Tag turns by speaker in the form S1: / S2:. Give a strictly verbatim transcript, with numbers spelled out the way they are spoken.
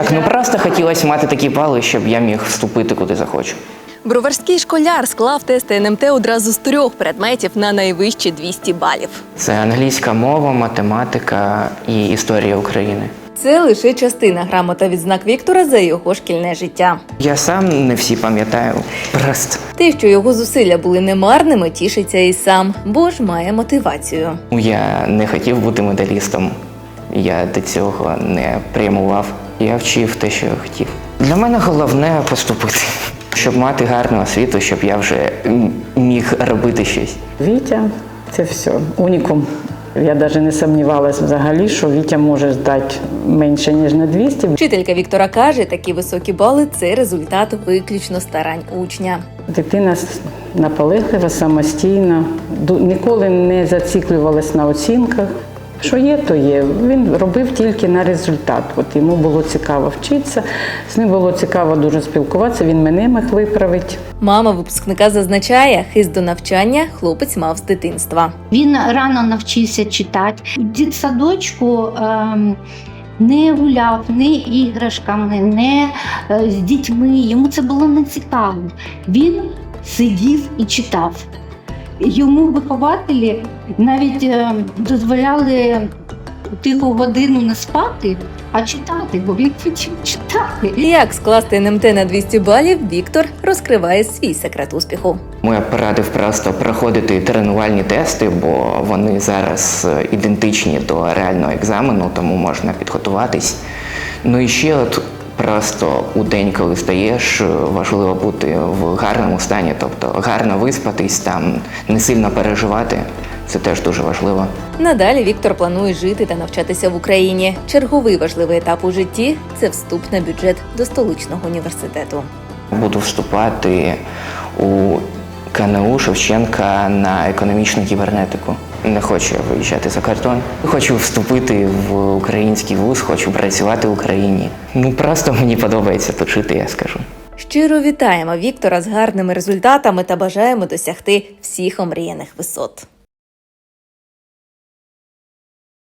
S1: Ну просто хотілося мати такі бали, щоб я міг вступити куди захочу.
S2: Броварський школяр склав тести ен ем те одразу з трьох предметів на найвищі двісті балів.
S1: Це англійська мова, математика і історія України.
S2: Це лише частина грамот та відзнак Віктора за його шкільне життя.
S1: Я сам не всі пам'ятаю, просто.
S2: Те, що його зусилля були немарними, тішиться і сам, бо ж має мотивацію.
S1: Я не хотів бути медалістом, я до цього не прямував. Я вчив те, що я хотів. Для мене головне поступити, щоб мати гарну освіту, щоб я вже міг робити щось.
S3: Вітя – це все, унікум. Я навіть не сумнівалася взагалі, що Вітя може здати менше, ніж на двісті.
S2: Вчителька Віктора каже, такі високі бали – це результат виключно старань учня.
S3: Дитина наполеглива, самостійна, ніколи не зациклювалась на оцінках. Що є, то є. Він робив тільки на результат. От йому було цікаво вчитися, з ним було цікаво дуже спілкуватися, він мене міг виправити.
S2: Мама випускника зазначає, хист до навчання хлопець мав з дитинства.
S4: Він рано навчився читати. У дитсадочку ем, не гуляв ні іграшками, не е, з дітьми. Йому це було не цікаво. Він сидів і читав. Йому вихователі навіть е, дозволяли тиху годину не спати, а читати, бо він хотів читати.
S2: Як скласти ен ем те на двісті балів, Віктор розкриває свій секрет успіху.
S1: Я порадив просто проходити тренувальні тести, бо вони зараз ідентичні до реального екзамену, тому можна підготуватись. Ну і ще от просто у день, коли стаєш, важливо бути в гарному стані, тобто гарно виспатись, там не сильно переживати. Це теж дуже важливо.
S2: Надалі Віктор планує жити та навчатися в Україні. Черговий важливий етап у житті – це вступ на бюджет до столичного університету.
S1: Буду вступати у ка ен у Шевченка на економічну кібернетику. Не хочу я виїжджати за кордон. Хочу вступити в український вуз, хочу працювати в Україні. Ну просто мені подобається тут жити, я скажу.
S2: Щиро вітаємо Віктора з гарними результатами та бажаємо досягти всіх омріяних висот.